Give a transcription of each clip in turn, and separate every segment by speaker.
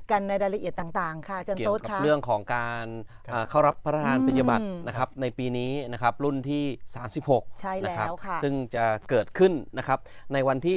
Speaker 1: กันในรายละเอียดต่างๆค่ะอาจารย์
Speaker 2: เกี่ย
Speaker 1: โต๊
Speaker 2: ว
Speaker 1: ด
Speaker 2: กับ
Speaker 1: ค่ะ
Speaker 2: เรื่องของการเข้ารับพระราชทานปริญญาบัตรนะครับในปีนี้นะครับรุ่นที่ 36
Speaker 1: ใช่
Speaker 2: นะ
Speaker 1: แล้
Speaker 2: ครับ
Speaker 1: วค่ะ
Speaker 2: ซึ่งจะเกิดขึ้นนะครับในวันที่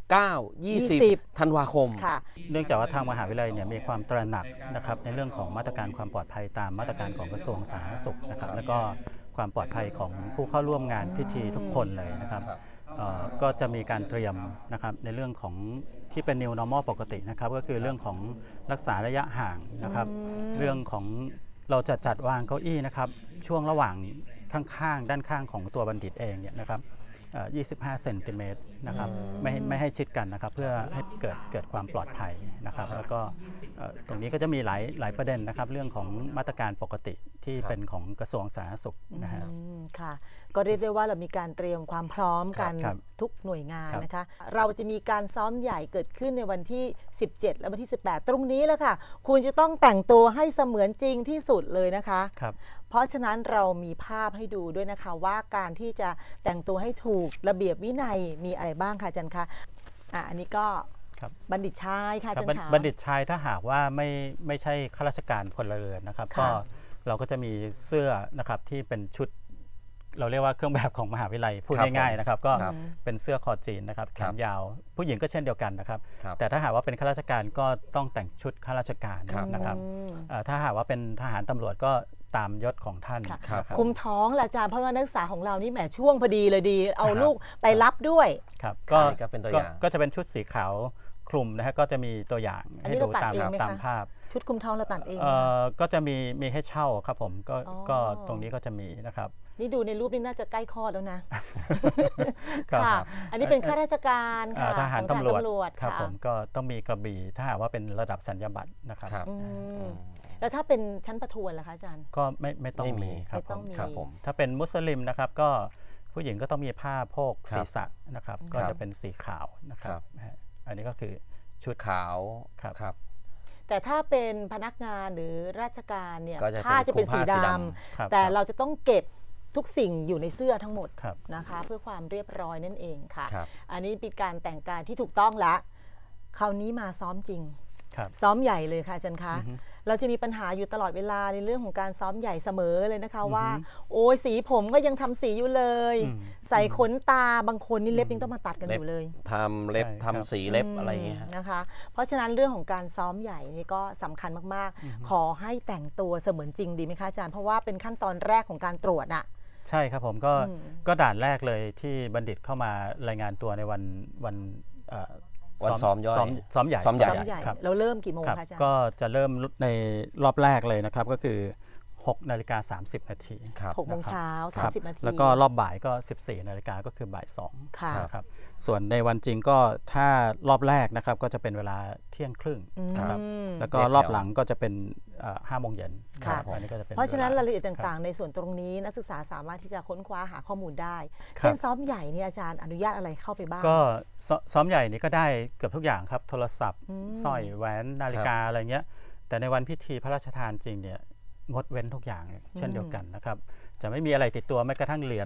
Speaker 2: 19-20 ธันวาคม
Speaker 1: ค่ะ
Speaker 3: เนื่องจากว่าทางมหาวิทยาลัยเนี่ยมีความตระหนักนะครับในเรื่องของมาตรการความปลอดภัยตามมาตรการของกระทรวงสาธารณสุขนะครับแล้วก็ความปลอดภัยของผู้เข้าร่วมงานพิธีทุกคนเลยนะครับก็จะมีการเตรียมนะครับในเรื่องของที่เป็น New Normal ปกตินะครับก็คือเรื่องของรักษาระยะห่างนะครับเรื่องของเราจะจัดวางเก้าอี้นะครับช่วงระหว่างข้างๆด้านข้างของตัวบัณฑิตเองเนี่ยนะครับ25 เซนติเมตรนะครับไม่ให้ชิดกันนะครับเพื่อให้เกิดความปลอดภัยนะครับแล้วก็ตรงนี้ก็จะมีหลายประเด็นนะครับเรื่องของมาตรการปกติที่เป็นของกระทรวงสาธารณสุขนะฮะ
Speaker 1: ค่ะก็เรียกได้ว่าเรามีการเตรียมความพร้อมกัน
Speaker 3: ครับ
Speaker 1: ทุกหน่วยงาน
Speaker 3: ครับ
Speaker 1: นะคะเราจะมีการซ้อมใหญ่เกิดขึ้นในวันที่ 17 และวันที่ 18 ตรงนี้แหละค่ะคุณจะต้องแต่งตัวให้เสมือนจริงที่สุดเลยนะคะ
Speaker 3: ครับ
Speaker 1: เพราะฉะนั้นเรามีภาพให้ดูด้วยนะคะว่าการที่จะแต่งตัวให้ถูกระเบียบวินัยมีอะไรบ้างคะอาจารย์คะอันนี้ก็
Speaker 3: ครับ
Speaker 1: บัณฑิตชายค่ะอา
Speaker 3: ครั
Speaker 1: จา
Speaker 3: บ
Speaker 1: รย์คะ
Speaker 3: บัณฑิตชายถ้าหากว่าไม่ใช่ข้าราชการพลเรือนนะครับ
Speaker 1: ค่ะ
Speaker 3: ก็เราก็จะมีเสื้อนะครับที่เป็นชุดเราเรียกว่าเครื่องแบบของมหาวิทยาลัยพูด
Speaker 2: ครับ
Speaker 3: ง่ายๆนะครับก็
Speaker 2: ครับ
Speaker 3: เป็นเสื้อคอจีนนะครับแข
Speaker 2: ครับ
Speaker 3: นยาว ผู้หญิงก็เช่นเดียวกันนะครับ
Speaker 2: ครับ
Speaker 3: แต่ถ้าหากว่าเป็นข้าราชการก็ต้องแต่งชุดข้าราชการ
Speaker 2: ครับ
Speaker 3: นะครับถ้าหากว่าเป็นทหารตำรวจก็ตามยศของท่าน
Speaker 1: ค่ะ
Speaker 3: นะครับ
Speaker 1: คุมท้องแหละอาจารย์เพราะว่านักศึกษาของเรานี่แหมช่วงพอดีเลยดี เอาลูกไปรับด้วย
Speaker 3: ครับ
Speaker 2: นี่ก็เป็นตัวอย่าง
Speaker 3: ก็จะเป็นชุดสีขาวคลุมนะฮะก็จะมีตัวอย่าง
Speaker 1: อันนี้
Speaker 3: ให้ดู
Speaker 1: เราตัด
Speaker 3: ตาม
Speaker 1: เองไหมคะ
Speaker 3: ตามภาพ
Speaker 1: ชุดคุมท้องเราตัดเอง
Speaker 3: ก็จะมีให้เช่าครับผมก็
Speaker 1: อ๋อ
Speaker 3: ก็ตรงนี้ก็จะมีนะครับ
Speaker 1: นี่ดูในรูปนี่น่าจะใกล้คลอดแล้วนะ
Speaker 3: ครับ
Speaker 1: ค่ะ อันนี้เป็นข้าราชการค่ะ
Speaker 3: ทหาร
Speaker 1: ของ
Speaker 3: ตำรวจครับ
Speaker 1: ค่ะ
Speaker 3: ผมก็ต้องมีกระบี่ถ้าหากว่าเป็นระดับสัญญาบัตรนะครับ
Speaker 2: ครับ
Speaker 1: แล้วถ้าเป็นชั้นประทวนล่ะคะอาจารย์
Speaker 3: ก็ไม่ต้อง
Speaker 2: ไม่มี
Speaker 3: มีครับ
Speaker 1: ไม่ต้องมี
Speaker 3: ครับ
Speaker 2: ผม
Speaker 3: ถ้าเป็นมุสลิมนะครับก็ผู้หญิงก็ต้องมีผ้าโพก
Speaker 2: ครับ
Speaker 3: ศีรษะนะครับก็จะเป็นสีขาวนะครับอันนี้ก็คือชุด
Speaker 2: ขาว
Speaker 3: ครับ
Speaker 2: ครับ
Speaker 1: แต่ถ้าเป็นพนักงานหรือราชการเนี่ย
Speaker 2: ก็จะเป็น
Speaker 1: ผ้าจะเป็น
Speaker 2: คลุ
Speaker 1: สี
Speaker 2: มผ้าสี
Speaker 1: ด
Speaker 2: ด
Speaker 3: ครับ
Speaker 1: ำแต่เราจะต้องเก็บทุกสิ่งอยู่ในเสื้อทั้งหมด
Speaker 3: ครับ
Speaker 1: นะคะ เพื่อความเรียบร้อยนั่นเองค่ะ
Speaker 2: ครับ
Speaker 1: อันนี้เป็นการแต่งกายที่ถูกต้องละคราวนี้มาซ้อมจริง
Speaker 3: ครับ
Speaker 1: ซ้อมใหญ่เลยค่ะอาจารย์คะ เราจะมีปัญหาอยู่ตลอดเวลาในเรื่องของการซ้อมใหญ่เสมอเลยนะคะว่า โอ้ยสีผมก็ยังทำสีอยู่เลย ใส่ขนตาบางคนนี่เล็บยังต้องมาตัดกันอยู่เลย
Speaker 2: ทำเล็บ
Speaker 3: ใช่ครับ
Speaker 2: ทำสีเล็บอะไรอย่างเงี้ยฮะ
Speaker 1: นะคะ เพราะฉะนั้นเรื่องของการซ้อมใหญ่นี่ก็สำคัญมากๆ ขอให้แต่งตัวเสมือนจริงดีไหมคะอาจารย์เพราะว่าเป็นขั้นตอนแรกของการตรวจอะ
Speaker 3: ใช่ครับผมก็ด่านแรกเลยที่บัณฑิตเข้ามารายงานตัวในวัน
Speaker 2: วันซ้อมย่อย
Speaker 3: ซ้อมใหญ่
Speaker 2: ซ้อมใหญ่
Speaker 1: ซ้อมใหญ่
Speaker 3: ครับ
Speaker 1: เราเริ่มกี่โมง
Speaker 3: ครับ
Speaker 1: คะอาจารย์
Speaker 3: ก็จะเริ่มในรอบแรกเลยนะครับก็คือ6 นาฬิกา 30 นาที
Speaker 2: ครับ
Speaker 1: 6 โมงเช้า
Speaker 3: ครับ
Speaker 1: 30 นาที
Speaker 3: แล้วก็รอบบ่ายก็ 14 นาฬิกาก็คือบ่าย 2
Speaker 1: ค่ะ
Speaker 3: นะครับส่วนในวันจริงก็ถ้ารอบแรกนะครับก็จะเป็นเวลาเที่ยงครึ่งนะครับแล้วก็รอบหลังก็จะเป็น5 โมงเย็น
Speaker 1: ค่ะ
Speaker 3: อันนี้ก็จะเป็น
Speaker 1: เพราะฉะนั้น
Speaker 3: วล
Speaker 1: รายละเอียดต่างๆ ในส่วนตรงนี้นักศึกษาสามารถที่จะค้นคว้าหาข้อมูลได้
Speaker 3: ครับ
Speaker 1: เช่นซ้อมใหญ่เนี่ยอาจารย์อนุญาตอะไรเข้าไปบ้าง
Speaker 3: ก็ซ้อมใหญ่นี่ก็ได้เกือบทุกอย่างครับโทรศัพท์สร้อยแหวนนาฬิกาอะไรเงี้ยแต่ในวันพิธีพระราชทานจริงเนี่ยงดเว้นทุกอย่างเช่นเดียวกันนะครับจะไม่มีอะไรติดตัวแม้กระทั่งเหรียญ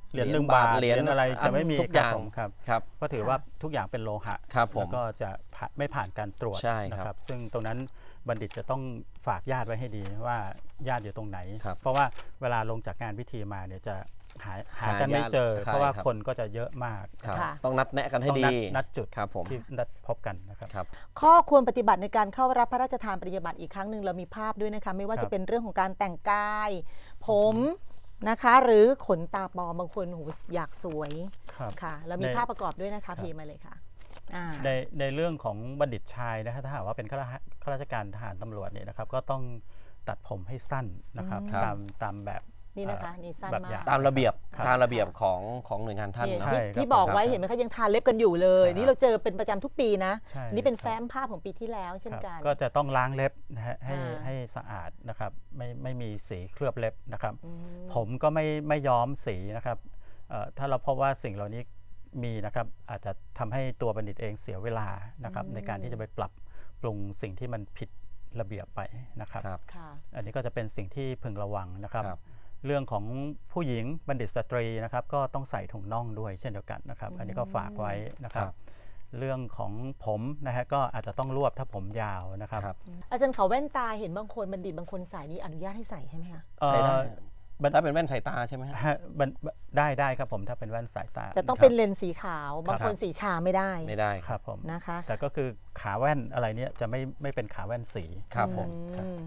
Speaker 3: 1 บาทเหรียญอะไรจะไม่มี
Speaker 2: ทุกอย่าง
Speaker 3: ครับผมครับ
Speaker 2: ครับ
Speaker 3: เพราะถือว่าทุกอย่างเป็นโลหะ
Speaker 2: ครับผม
Speaker 3: แล้วก็จะไม่ผ่านการตรวจ
Speaker 2: ใช่ครับ
Speaker 3: นะครับซึ่งตรงนั้นบัณฑิตจะต้องฝากญาติไว้ให้ดีว่าญาติอยู่ตรงไหน
Speaker 2: ครับ
Speaker 3: เพราะว่าเวลาลงจากงานพิธีมาเนี่ยจะหากันไม่เจอ
Speaker 2: ญาติ
Speaker 3: เพราะว่า
Speaker 2: ใช่ครับ
Speaker 3: คนก็จะเยอะมาก
Speaker 2: ครับ
Speaker 1: ค่ะ
Speaker 2: ต้องนัดแนะกันให้
Speaker 3: ต้อง
Speaker 2: ดี
Speaker 3: นัดจุด
Speaker 2: ครับผม
Speaker 3: ที่นัดพบกันนะครับ
Speaker 2: ครับ
Speaker 1: ข้อควรปฏิบัติในการเข้ารับพระราชทานปริญญาบัตรอีกครั้งหนึ่งเรามีภาพด้วยนะคะไม่ว่า
Speaker 3: ครับ
Speaker 1: จะเป็นเรื่องของการแต่งกาย ผมนะคะ หรือขนตาปลอมบางคนโหอยากสวย
Speaker 3: ครับ
Speaker 1: ค่ะเรามี
Speaker 3: ใน
Speaker 1: ภาพประกอบด้วยนะคะพีมาเลยค่ะอ่า
Speaker 3: ในเรื่องของบัณฑิตชายนะครับถ้าหากว่าเป็นข้าราชการทหารตำรวจเนี่ยนะครับก็ต้องตัดผมให้สั้นนะครับ
Speaker 2: ครับ
Speaker 3: ตามแบบ
Speaker 1: นี่นะคะนี่สั้น
Speaker 3: แบบ
Speaker 1: มา
Speaker 3: อย่
Speaker 1: ก
Speaker 2: ตามระเบียบ
Speaker 3: ครับ
Speaker 2: ตามระเบียบของหน่วยงานท่าน
Speaker 1: นี่
Speaker 2: เนาะ
Speaker 3: ใช่
Speaker 1: ที่
Speaker 3: ครับ
Speaker 1: ที่บอก
Speaker 3: ผม
Speaker 1: ไว้
Speaker 3: ครับ
Speaker 1: เห็นไหมคะยังทาเล็บกันอยู่เลย
Speaker 3: ครับ
Speaker 1: นี่เราเจอเป็นประจำทุกปีนะ
Speaker 3: ใช่
Speaker 1: นี่เป็น
Speaker 3: ครับ
Speaker 1: แฟ้มภาพของปีที่แล้วเช่น
Speaker 3: ครับ
Speaker 1: กัน
Speaker 3: ก็จะต้องล้างเล็บนะฮะให้
Speaker 1: อ่า
Speaker 3: ให้สะอาดนะครับไม่มีสีเคลือบเล็บนะครับ ผมก็ไม่ย้อมสีนะครับถ้าเราพบว่าสิ่งเหล่านี้มีนะครับอาจจะทำให้ตัวบัณฑิตเองเสียเวลานะครับในการที่จะไปปรับปรุงสิ่งที่มันผิดระเบียบไปนะครับ
Speaker 2: ครับ
Speaker 1: ค่ะ
Speaker 3: อันนี้ก็จะเป็นสิ่งที่พึงระวังนะครับ
Speaker 2: ครับ
Speaker 3: เรื่องของผู้หญิงบัณฑิตสตรีนะครับก็ต้องใส่ถุงน่องด้วยเช่นเดียวกันนะครับ อันนี้ก็ฝากไว้นะครับ
Speaker 2: ครับ
Speaker 3: เรื่องของผมนะฮะก็อาจจะต้องรวบถ้าผมยาวนะครับ
Speaker 2: ครับ
Speaker 1: อาจารย์เขาแว่นตาเห็นบางคนบัณฑิตบางคนใส่นี่อนุญาตให้ใส่ใช่ไหมคะ
Speaker 2: ใส่ได้
Speaker 3: บัน
Speaker 2: ถ้าเป็นแว่นสายตาใช่ไหมฮะ
Speaker 3: ฮะได้ครับผมถ้าเป็นแว่นสายตา
Speaker 1: แต่ต้อง
Speaker 3: ครับ
Speaker 1: เป็นเลนส์สีขาว บางคน
Speaker 2: ครับ
Speaker 1: สีชาไม่ได้
Speaker 2: ไม่ได้
Speaker 3: ครับผม
Speaker 1: นะคะ
Speaker 3: แต่ก็คือขาแว่นอะไรเนี้ยจะไม่เป็นขาแว่นสี
Speaker 2: ครับผม
Speaker 1: อืม